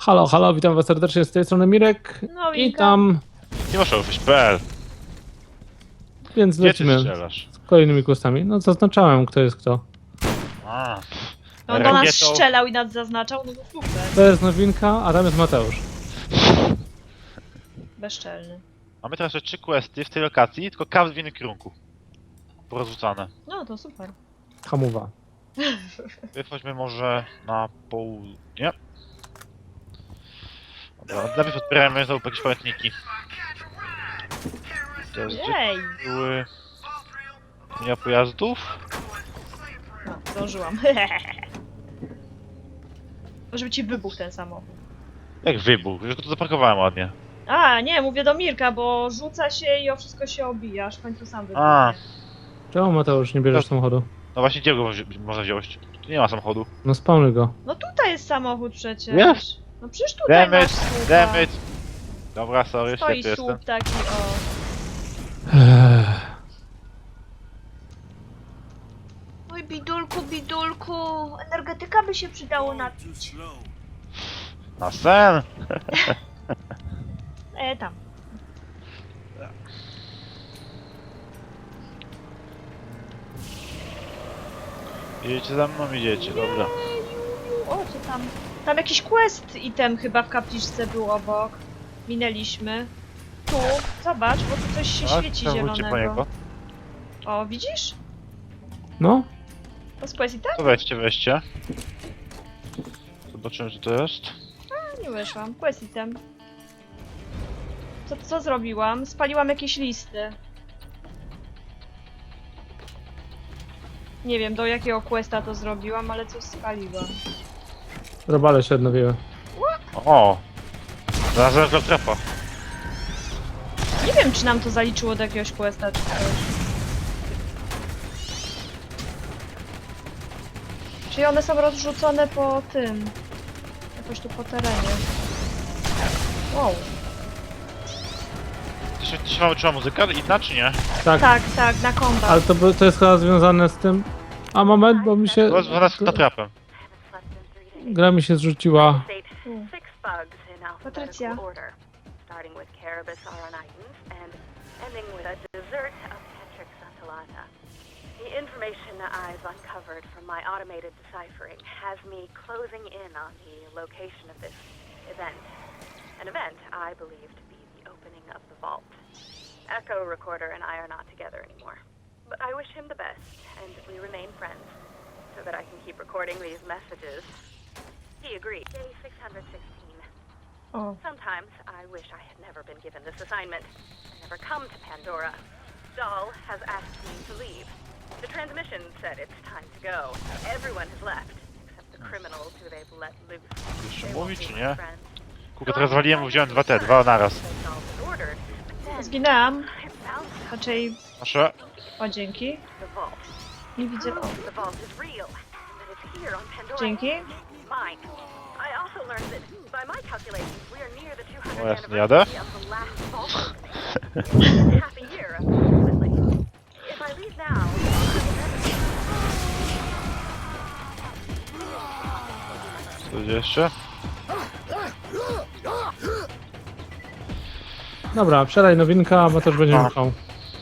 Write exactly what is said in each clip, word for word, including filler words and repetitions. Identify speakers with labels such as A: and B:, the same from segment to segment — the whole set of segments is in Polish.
A: Halo, halo, witam was serdecznie z tej strony Mirek
B: No,
A: i
B: Winka.
A: tam,
C: Nie masz ofiś kropka p l.
A: więc
C: Gdzie ty
A: lecimy
C: strzelasz?
A: z kolejnymi questami. No zaznaczałem, kto jest kto.
C: A,
B: No, on do nas
C: rakietą.
B: strzelał i nas zaznaczał, no to super.
A: To jest nowinka, a tam jest Mateusz.
B: Bezczelny.
C: Mamy teraz jeszcze trzy questy w tej lokacji, tylko każdy w innym kierunku. Porozrzucane.
B: No to super.
A: Hamuwa.
C: Chodźmy może na południe. Dobra, najpierw odbieramy znowu jakieś pamiętniki. Teraz gdzie
B: Jej!
C: były... Linia pojazdów?
B: No, zdążyłam. Żeby ci wybuchł ten samochód.
C: Jak wybuch, już go tu zaparkowałem ładnie.
B: A, nie, mówię do Mirka, bo rzuca się i o wszystko się obija, aż w końcu sam wybuchnie.
C: A.
A: Czemu Mateusz nie bierzesz
C: To-
A: samochodu?
C: No właśnie, gdzie go wzi- można wziąć? Tu nie ma samochodu.
A: No spawnuj go.
B: No tutaj jest samochód przecież.
C: Jest.
B: No przecież tutaj
C: Damn
B: masz
C: it,
B: słupa.
C: damn it. Dobra, sorry,
B: Stoi
C: ślepy jestem.
B: słup taki, o.
D: Oj, bidulku, bidulku, energetyka by się przydało napić.
C: Na sen!
B: E, tam.
C: Idziecie za mną, idziecie, dobra.
B: O, co tam? Tam jakiś quest item chyba w kapliczce był obok. Minęliśmy. Tu, zobacz, bo tu coś się
C: A,
B: świeci
C: to wróćcie po
B: zielonego.
C: niego.
B: O, widzisz?
A: No,
B: To jest quest item?
C: To weźcie, weźcie. Zobaczymy, co to jest.
B: A, nie weszłam. Quest item. Co, co zrobiłam? Spaliłam jakieś listy. Nie wiem, do jakiego questa to zrobiłam, ale coś spaliłam.
A: robale się odnowiły.
C: O! Znalazłem go trapa.
B: Nie wiem, czy nam to zaliczyło do jakiegoś questa, czy coś. Czyli one są rozrzucone po tym. Jakoś tu po terenie. Wow.
C: Ty się, ty się mamy trzeba muzyka? Inna czy nie?
A: Tak,
B: Tak, tak, na kombat.
A: ale to, by- to jest chyba związane z tym... A moment, bo mi się...
C: To jest związane z trapem.
A: Gra mi się zrzuciła.
B: Hmm.
E: Six bugs in
B: Patricia.
E: alphabetical order, starting with Carabus auronitans and ending with a dessert of Tetrix untulata. The information I've uncovered from my automated deciphering has me closing in on the location of this event. An event I believe to be the opening of the vault. Echo Recorder and I are not together anymore. But I wish him the best, and we remain friends, so that I can keep recording these messages. He agreed. Day six hundred sixteen.
B: O.
E: Sometimes I wish I had never been given this assignment. I never come to Pandora. Dahl has asked me to leave. The transmission said it's time to go. Everyone has left, except the criminals who they've let loose.
C: Jeszcze
E: They
C: mówi
E: won't
C: czy
E: be
C: nie?
E: my friends.
C: Kurka, teraz waliłem, bo wziąłem dwa te, dwa naraz.
E: They Dahl has ordered, but then
B: Zginęłam.
E: I found something.
B: Raczej...
C: Proszę.
B: O, dzięki.
E: The vault.
B: Nie widzę... O,
E: Prove the vault is real, and that it's here on Pandora.
B: dzięki.
E: Mine. I also learned that, by my calculations, we are near the two hundredth
C: O, jasne,
E: anniversary
C: jadę.
E: of the last vault opening. It's half a year, approximately. If I leave now, I will never
C: Co będzie jeszcze?
A: Dobra, przelej nowinka, a Mateusz będzie
C: A.
A: miał.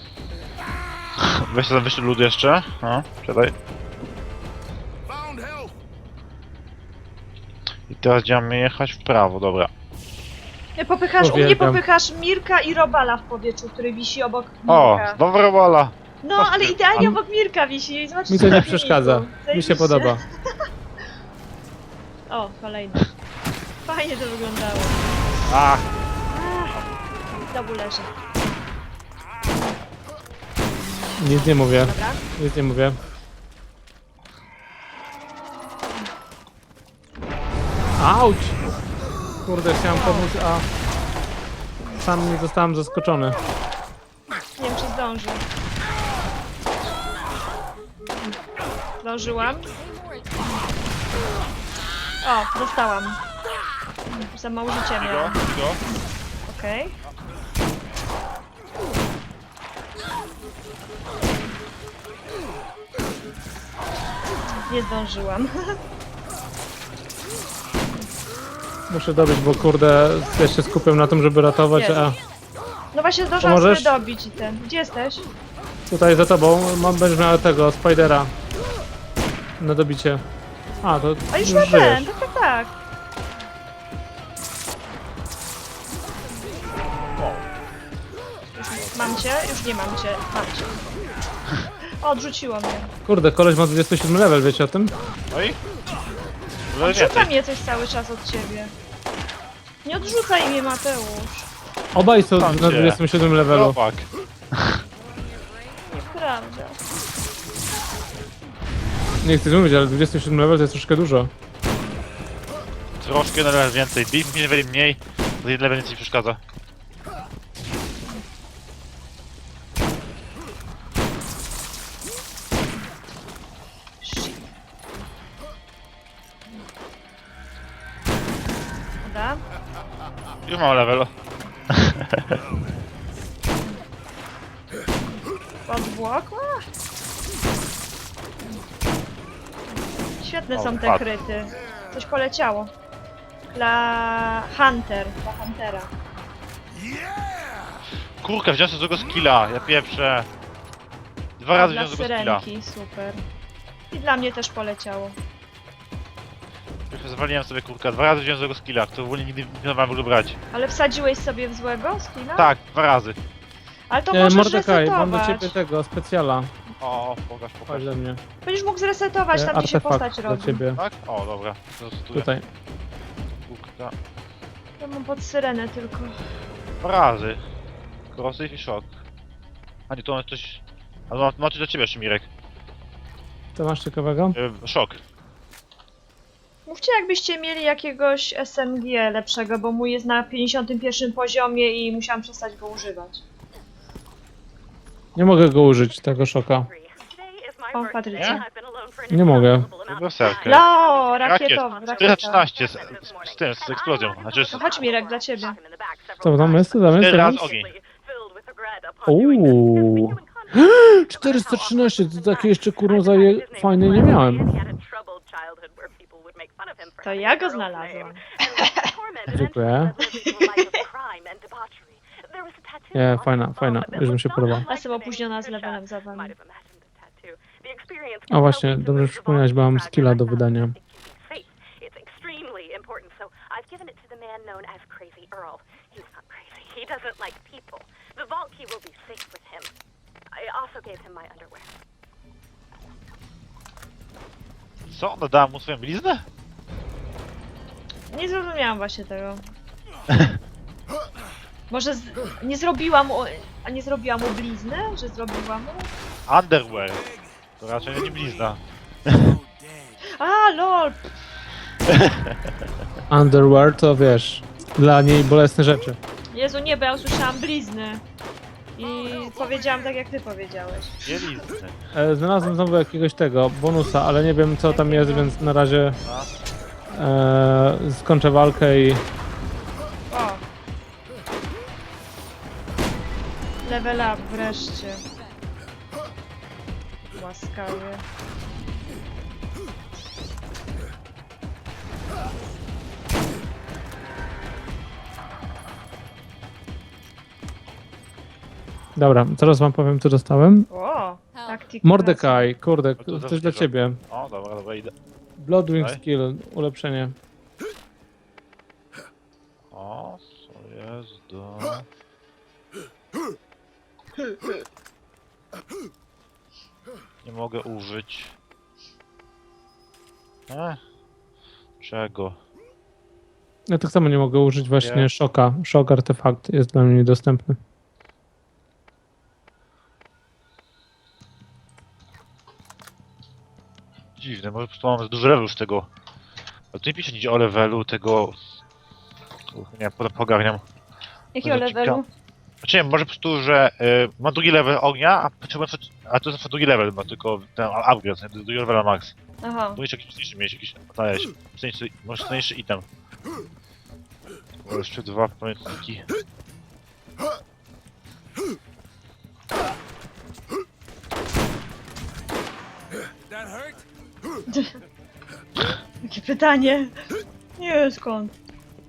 C: Weź tam wyślij lód jeszcze. No, siadaj. I teraz będziemy jechać w prawo, dobra.
B: Nie, popychasz, u mnie
A: Uwielbiam.
B: popychasz Mirka i Robala w powietrzu, który wisi obok
C: O,
B: Mirka.
C: dobra wola.
B: No, ale idealnie
A: A-
B: obok Mirka wisi. Zobaczcie
A: Mi to nie
B: na
A: przeszkadza.
B: filmiku.
A: Mi się
B: Zajebiście.
A: podoba.
B: O, kolejny. Fajnie to wyglądało.
C: Ach,
B: Znowu leży.
A: Nic nie mówię,
B: Dobra.
A: nic nie mówię. Auć! Kurde, chciałem pomóc, a... Sam nie zostałem zaskoczony.
B: Nie wiem, czy zdążę. Zdążyłam. O, dostałam. Za mało życia
C: go,
B: miałam.
C: go.
B: Okej. Nie zdążyłam.
A: Muszę dobić, bo kurde, ja się skupiam na tym, żeby ratować,
B: Jest.
A: a
B: No właśnie zdążyłam
A: Pomożesz?
B: sobie dobić i ten. Gdzie jesteś?
A: tutaj za tobą mam, będziesz miał tego, Spidera. Na dobicie. A, to
B: A już
A: już
B: ma
A: żyjesz.
B: ten, tak, tak, tak. Już mam cię? Już nie mam cię. Mam cię. O, odrzuciło mnie.
A: Kurde, koleś ma dwudziesty siódmy level, wiecie o tym?
C: No i? Dużo
B: Odrzuca
C: więcej.
B: mnie coś cały czas od ciebie. Nie odrzucaj mnie, Mateusz.
A: Obaj są
C: Tam
A: na
C: cię.
A: dwudziestym siódmym levelu.
C: Chłopak.
B: Nieprawda.
A: Nie chcę mówić, ale dwudziesty siódmy level to jest troszkę dużo.
C: Troszkę na level więcej. Bij mi level mniej, to jeden level więcej przeszkadza.
B: Shit. Dobra.
C: Już mam level.
B: Podwłokła? Świetne
C: O,
B: są te
C: padł.
B: kryty. Coś poleciało. Dla Hunter. Dla Huntera.
C: Kurka, wziąłem sobie złego skilla, ja pieprzę. Dwa razy
B: Dla
C: wziąłem złego skilla.
B: syrenki, super. I dla mnie też poleciało.
C: Zwaliłem sobie kurka, dwa razy wziąłem złego skilla, który w ogóle nigdy nie planowałem w ogóle brać.
B: Ale wsadziłeś sobie w złego skilla?
C: Tak, dwa razy.
B: Ale to
A: E,
B: możesz
A: Mordekaj, mam do
B: resetować.
A: ciebie tego, specjala.
C: O, pokaż, pokaż.
A: Chodź do mnie.
B: Będziesz mógł zresetować,
A: E,
B: tam gdzie się postać
A: Artefakt dla
B: robi.
A: ciebie.
C: Tak? O, dobra. Zastosuję.
A: Tutaj.
C: Kurka.
B: Ja mam pod syrenę tylko.
C: Dwa razy. Corrosive i shock. A nie, to on coś... A ma, ma coś dla ciebie jeszcze, Mirek.
A: To masz ciekawego?
C: E, szok.
B: Mówcie, jakbyście mieli jakiegoś S M G lepszego, bo mój jest na pięćdziesiątym pierwszym poziomie i musiałam przestać go używać.
A: Nie mogę go użyć, tego szoka.
B: O, Patrycja.
A: Nie mogę.
C: Berserker.
B: Lo,
C: Rakiet.
B: rakietowy, rakieta.
C: czterysta trzynaście z, z, z tym, z eksplozją. Znaczy z...
B: No chodź Mirek, dla ciebie.
A: Co tam jest? Co tam jest?
C: Cztery
A: Co tam
C: razy
A: jest?
C: ogień.
A: Uuu. czterysta trzynaście, to takie jeszcze kurno zaje fajne nie miałem.
B: To ja go znalazłam.
A: Dziękuję. Nie, fajna, fajna. Już mi się podoba.
B: Ja jestem opóźniona z levelem za wami.
A: A właśnie, dobrze że przypomniałeś, bo mam skilla do wydania.
C: Co? Ona dała mu swoją bliznę?
B: Nie zrozumiałam właśnie tego. Może z... nie zrobiłam mu... A nie zrobiłam mu blizny? Że zrobiłam mu?
C: Underwear. To raczej nie blizna.
B: A, lol!
A: Underwear to wiesz, dla niej bolesne rzeczy.
B: Jezu, nie, bo ja usłyszałam blizny. I powiedziałam tak, jak ty powiedziałeś.
C: Nie blizny.
A: E, znalazłem znowu jakiegoś tego bonusa, ale nie wiem co tam jest, więc na razie e, skończę walkę i
B: O! Level up wreszcie. Łaskawie.
A: dobra, teraz wam powiem co dostałem.
B: O! Taktik.
A: Mordekaj, kurde,
C: to za
A: coś dla
C: dużo.
A: ciebie.
C: O, dobra, dobra, idę.
A: Bloodwing
C: Daj.
A: skill, ulepszenie.
C: O, co jest do... Nie mogę użyć. E? Czego?
A: Ja tak samo nie mogę użyć właśnie
C: Nie.
A: szoka. Szok artefakt jest dla mnie niedostępny.
C: Dziwne, może po prostu mam duży level z tego. Ale tu nie pisze nic o levelu tego... Uch, nie, potem pogarniam.
B: Jakiego
C: Będzie
B: levelu?
C: Znaczy nie, może po prostu, że y, mam drugi level ognia, a potrzebuję... A to jest na drugi level, ma tylko ten upgrade, nie, drugi level max.
B: Aha.
C: Tu jeszcze jakiś mocniejszy mieć, jakiś... Dajesz, mocniejszy, może mocniejszy item. O, jeszcze dwa pamiętniki.
B: Jakie pytanie? Nie, skąd?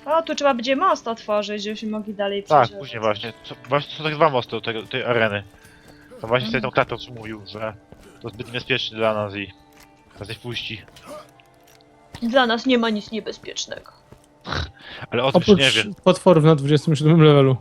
B: O, tu trzeba będzie most otworzyć, żebyśmy mogli dalej
C: Tak,
B: przejść.
C: później właśnie. Co- Właśnie są tak dwa mosty do tego, tej areny. To właśnie wtedy tą klatę co mówił, że to zbyt niebezpieczne dla nas i nas nie wpuści.
B: Dla nas nie ma nic niebezpiecznego.
C: Ale o tym się nie
A: Oprócz
C: wie.
A: potworów na dwudziestym siódmym levelu.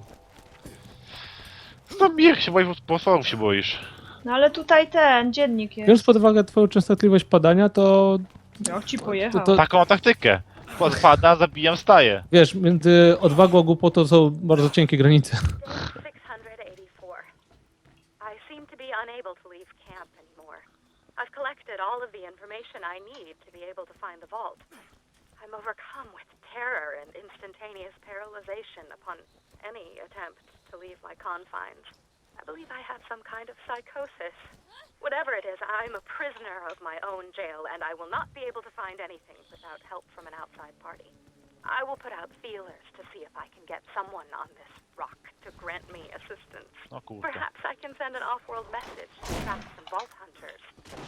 C: No Mir się boisz, potworów się boisz.
B: No ale tutaj ten dziennik jest.
A: Biorąc pod uwagę twoją częstotliwość padania, to
B: Jak ci pojechał.
A: To- to-
C: Taką mam taktykę. Podpada, zabijam, staję.
A: wiesz, między odwagą a głupotą są bardzo cienkie granice.
E: six hundred eighty-four. I seem to be unable to leave camp anymore. I've collected all of the information I need to be able to find the vault. I'm overcome with terror and instantaneous paralyzation upon any attempt to leave my confines. I believe I have some kind of psychosis. Whatever it is, I'm a prisoner of my own jail, and I will not be able to find anything without help from an outside party. I will put out feelers to see if I can get someone on this rock to grant me assistance.
C: No kurde.
E: Perhaps I can send an off-world message to trap some vault hunters.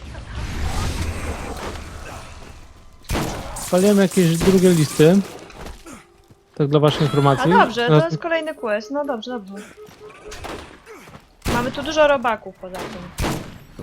A: Spaliłem jakieś drugie listy. Tak dla waszej
B: A
A: informacji.
B: dobrze, to
A: Teraz-
B: jest kolejny quest. No dobrze, dobrze. Mamy tu dużo robaków poza tym.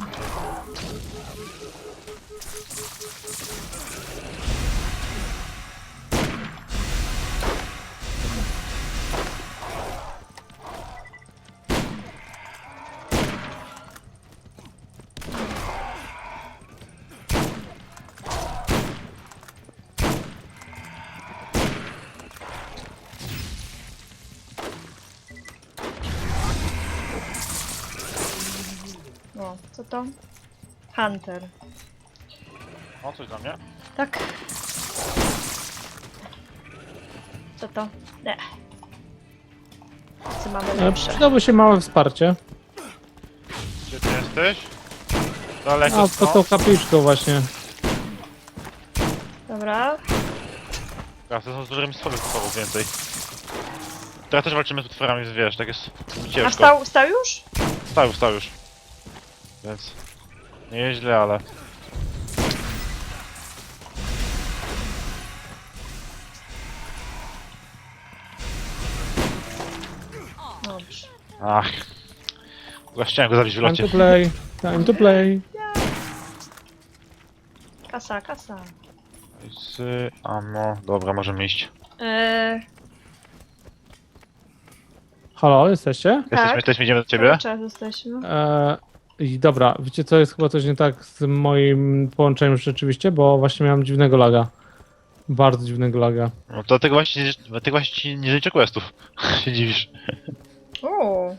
B: O, co to? Hunter.
C: O, coś dla mnie?
B: Tak. Co to? Nie. Co mamy
A: E,
B: lepsze?
A: Przydałoby się małe wsparcie.
C: Gdzie ty jesteś? Daleko
A: A pod tą
C: stąd?
A: kapliczką właśnie.
B: Dobra.
C: Ja, to są z dużymi stworami potworów więcej. Teraz też walczymy z potworami, więc wiesz, tak jest ciężko.
B: A wstał, wstał już?
C: Wstał, wstał już. Więc... Nie jest źle, ale...
B: Dobrze.
C: Ach. Ja chciałem go zabić w
A: Time
C: locie.
A: to play. Time to play.
B: Kasa, kasa.
C: Z... Ammo... Dobra, możemy iść.
B: Eee,
A: Halo, jesteście?
C: Jesteśmy,
B: Tak.
C: jesteśmy, idziemy do ciebie?
B: cały czas jesteśmy.
A: E, I dobra, wiecie co, jest chyba coś nie tak z moim połączeniem rzeczywiście, bo właśnie miałem dziwnego laga. Bardzo dziwnego laga.
C: No to tego właśnie, nie- dlatego właśnie ci nie życzę questów. się dziwisz.
B: O,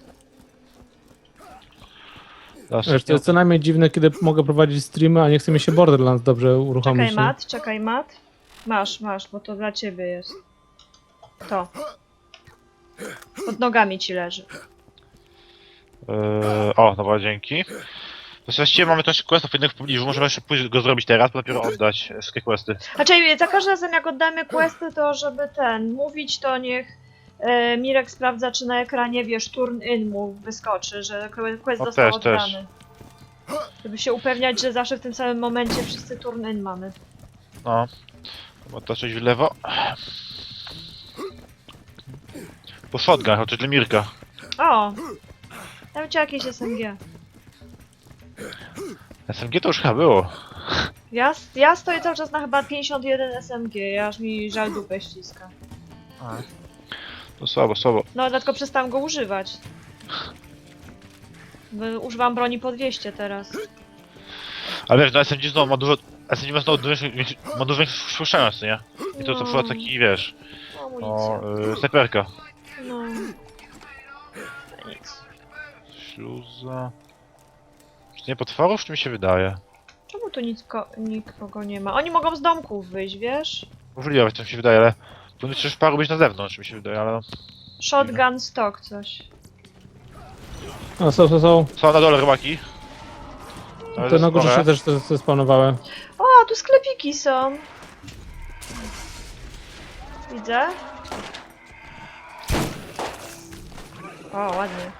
A: Wiesz, to jest co najmniej dziwne, kiedy mogę prowadzić streamy, a nie chce mi się Borderlands dobrze uruchomić.
B: czekaj mat, czekaj mat. Masz, masz, bo to dla ciebie jest. To. Pod nogami ci leży.
C: Eee, o, dobra, dzięki. To właściwie mamy też questów innych w pobliżu, możemy jeszcze pójść go zrobić teraz, bo dopiero oddać wszystkie questy.
B: Znaczy, za każdym razem jak oddamy questy, to żeby ten, mówić, to niech e, Mirek sprawdza, czy na ekranie, wiesz, turn in mu wyskoczy, że quest
C: O,
B: został
C: też, też.
B: oddany. Żeby się upewniać, że zawsze w tym samym momencie wszyscy turn in mamy.
C: No. Chyba to coś w lewo. Po shotgun, chociaż dla Mirka.
B: O! Tam cię jakieś S M G.
C: S M G to już chyba było.
B: Ja, ja stoję cały czas na chyba pięćdziesiąt jeden S M G, aż mi żal dupę ściska.
C: To słabo, słabo.
B: No, dlatego przestałam go używać. Bo używam broni po dwieście teraz.
C: Ale wiesz, no S M G znowu ma dużo... S M G ma znowu dużo, ma dużo większą słyszalność, nie? I to co
B: No.
C: przyszło taki, wiesz...
B: Amunicja.
C: O, yy, snajperka.
B: No. No nic.
C: Śluza... Czy to nie potworów, czy mi się wydaje?
B: Czemu tu nic ko- nikogo nie ma? Oni mogą z domków wyjść, wiesz?
C: Możliwe, to mi się wydaje, ale... Powinno też paru być na zewnątrz, mi się wydaje, ale...
B: Shotgun stock coś.
A: A są, są, są.
C: Są na dole rybaki. Ale
A: Te na górze
C: spore.
A: się też te- te spawnowały.
B: O, tu sklepiki są. Widzę. O, ładnie.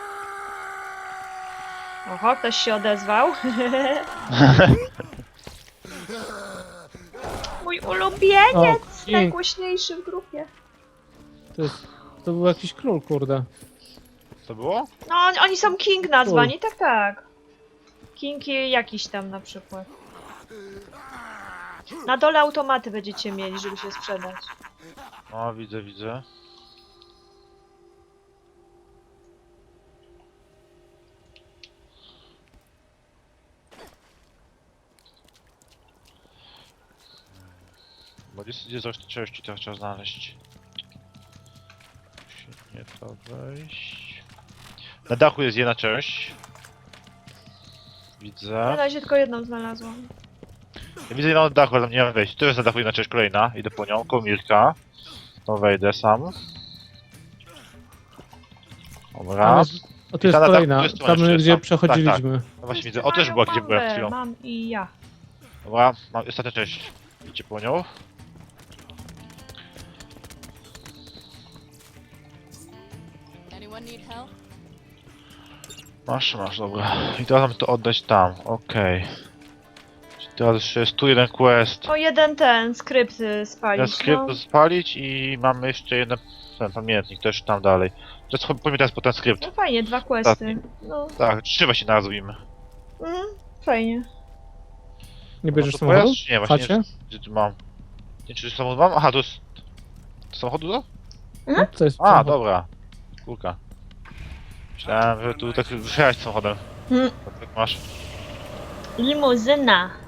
B: Oho, ktoś się odezwał. Mój ulubieniec!
A: O, King.
B: Najgłośniejszy w grupie.
A: To jest... To był jakiś król, kurde.
C: Co było?
B: No, oni- oni są King nazwani, tak, tak. King i jakiś tam na przykład. Na dole automaty będziecie mieli, żeby się sprzedać.
C: O, widzę, widzę. Bo gdzie, gdzie coś te części teraz trzeba znaleźć? Musi nie to wejść. Na dachu jest jedna część.
B: Na
C: Widzę.
B: razie tylko jedną znalazłam.
C: Ja widzę jedną na dachu, ale tam nie mam wejść. Tu jest na dachu jedna część kolejna. Idę po nią, koło Mirka. To wejdę sam.
A: Tam
C: Dobra.
A: jest... O, tu jest
C: Ta na dachu,
A: kolejna.
C: tu jest tu
A: Tam,
C: jeszcze,
A: gdzie
C: tam.
A: przechodziliśmy.
C: No właśnie widzę. O, też była, gdzie byłem przed chwilą.
B: Mam i ja.
C: Dobra, mam ostatnią część. Idźcie po nią.
F: Anyone need help?
C: Masz, masz, dobra. I teraz mamy to oddać tam, okej. Czyli teraz jeszcze jest tu jeden quest.
B: O, jeden ten skrypt y, spalić,
C: Teraz skrypt
B: no.
C: spalić i mamy jeszcze jeden ten pamiętnik też tam dalej. Teraz powiem teraz po ten skrypt.
B: No fajnie, dwa questy.
C: Ostatni.
B: No,
C: Tak, trzy właśnie nazwijmy.
B: mhm, fajnie.
A: Nie bierzesz
C: No to
A: samochodu?
C: pojazd? Nie, właśnie
A: Chacie?
C: nie. Gdzie tu mam? Nie, czy samochód mam? Aha, to jest... To samochodu to?
A: No, to jest
C: A,
A: samochód.
C: dobra. Kurka. Myślałem, że tu tak wyjechać samochodem.
B: Hmm.
C: Tak masz.
B: Limuzyna.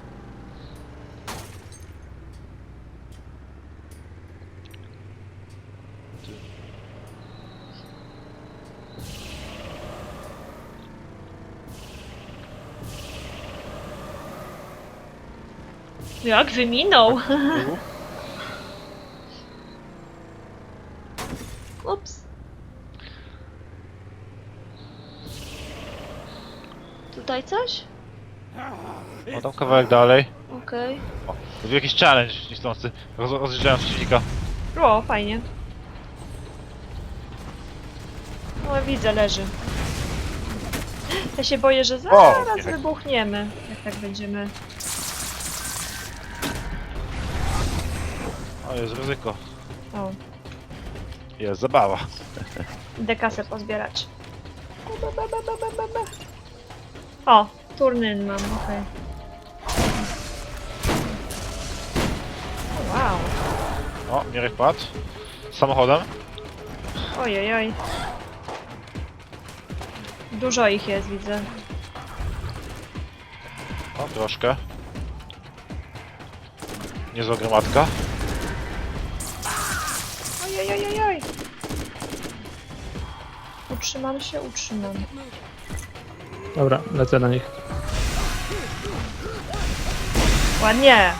B: Jak wyminął? Ups. Tutaj coś?
C: No tam kawałek dalej.
B: Okej.
C: O, to był jakiś challenge niechcący. Roz, rozjeżdżałem przeciwnika.
B: O, fajnie. No widzę, leży. Ja się boję, że zaraz
C: O, nie.
B: wybuchniemy, jak tak będziemy.
C: O, jest ryzyko.
B: O,
C: Jest zabawa.
B: idę kasę pozbierać. O, turnyn mam, okej. O, wow.
C: O, Mirek padł. Samochodem.
B: Ojej, oj. Dużo ich jest, widzę.
C: O, troszkę. Niezła gromadka.
B: Ojej, ojej, oj. Utrzymam się, utrzymam.
A: Dobra, lecę na nich.
B: Ładnie.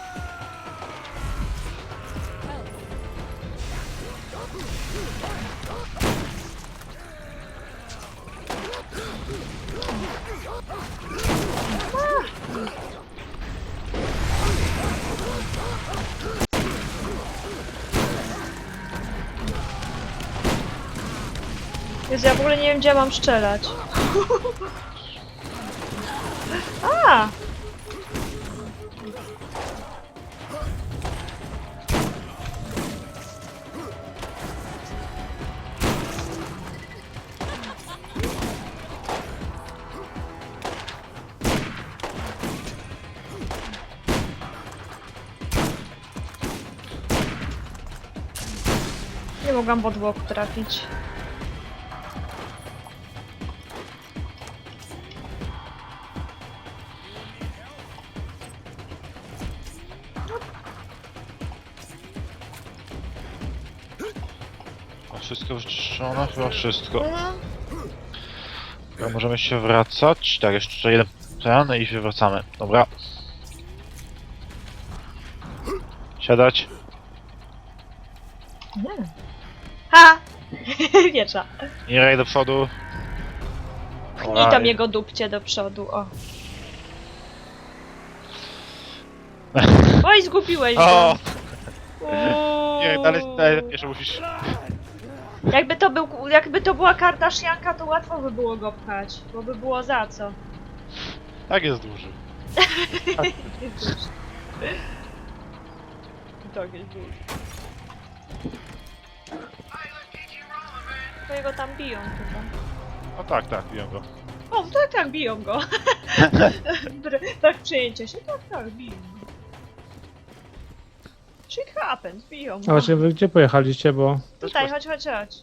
B: Jezu, ja w ogóle nie wiem, gdzie mam strzelać. A! Nie mogłam w odwłok trafić.
C: A wszystko wyczyszczone? Chyba wszystko.
B: Mhm.
C: Dobra, możemy się wracać. Tak, jeszcze jeden ten i się wracamy. Dobra. Siadać.
B: Nie. Ha! Wiecza.
C: Mirek do przodu.
B: Pchnij tam jego dupcie do przodu, o. Oj, zgubiłeś
C: O!
B: go.
C: Nie, dalej, dalej jeszcze musisz.
B: Jakby to, był, jakby to była Kardashianka, to łatwo by było go pchać, bo by było za co.
C: Tak jest duży.
B: To jakieś było. To jego tam biją chyba.
C: No tak, tak, biją go.
B: O, tak, tak, biją go. Br- tak, przejęcie się, tak, tak, biją go. Shit happens, biją
A: A
B: go.
A: właśnie, wy gdzie pojechaliście, bo...
B: Tutaj, chodź, chodź, chodź.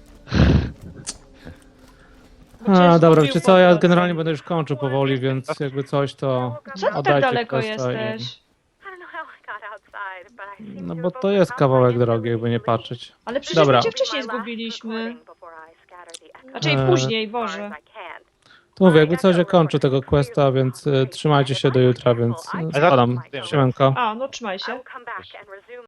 A: A, dobra, wiecie co, ja
B: powrót.
A: generalnie będę już kończył powoli, więc jakby coś to...
B: Co ty tak
A: oddajcie
B: daleko
A: questa i-
B: jesteś?
E: I don't know how I got outside, but I seem
A: No
E: to
A: bo
E: have
A: to jest
E: overcome
A: kawałek
E: my
A: drogi, jakby nie
E: inability to leave.
A: patrzeć.
B: Ale przecież
A: Dobra.
B: my cię wcześniej zgubiliśmy. Znaczy
A: Eee.
B: później, Boże.
A: To mówię, jakby coś, ja kończę tego questa, więc e, trzymajcie się do jutra, więc e, spadam. Siemanko.
B: A, no trzymaj
E: I
B: się.
E: will come back and resume